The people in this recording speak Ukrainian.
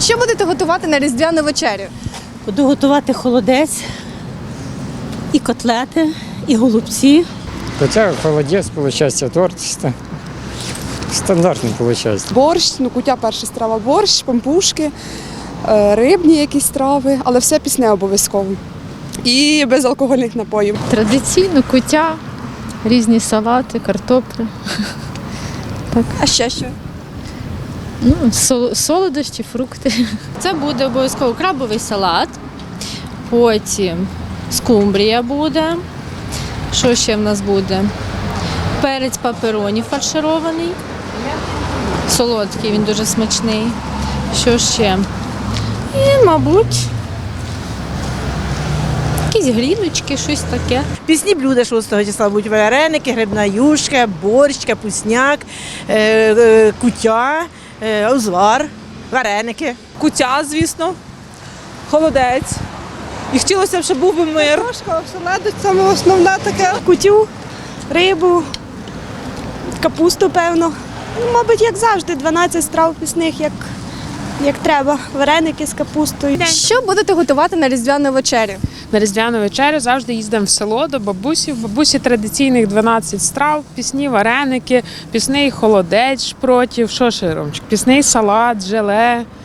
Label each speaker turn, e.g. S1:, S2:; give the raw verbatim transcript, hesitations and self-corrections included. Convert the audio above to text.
S1: Що будете готувати на різдвяну вечерю?
S2: Буду готувати холодець, і котлети, і голубці.
S3: Хотя холодец, получается, торт ста- стандартный получается.
S4: Борщ, ну куття перша страва, борщ, пампушки, е, рибні якісь страви, але все пісне обов'язково. І без алкогольних напоїв.
S5: Традиційно куття, різні салати, картопля.
S1: А ще що?
S5: Ну, сол- солодощі, фрукти.
S6: Це буде обов'язково крабовий салат, потім скумбрія буде. Що ще в нас буде? Перець папероні фарширований, солодкий, він дуже смачний. Що ще? І, мабуть, якісь гріночки, щось таке.
S2: Пісні блюда шостого числа будуть вареники, грибна юшка, борщ, капусняк, е, е, куття, е, узвар, вареники.
S7: Куття, звісно, холодець. І хотілося б, щоб був би мир.
S4: Оселедець саме основне таке.
S8: Кутю, рибу, капусту, певно. Ну, мабуть, як завжди, дванадцять страв пісних, як, як треба. Вареники з капустою.
S1: Що будете готувати на різдвяну вечерю?
S9: На різдвяну вечерю завжди їздимо в село до бабусі. В бабусі традиційних дванадцять страв, пісні вареники, пісний холодець шпротів, що ще, Ромчик? Пісний салат, желе.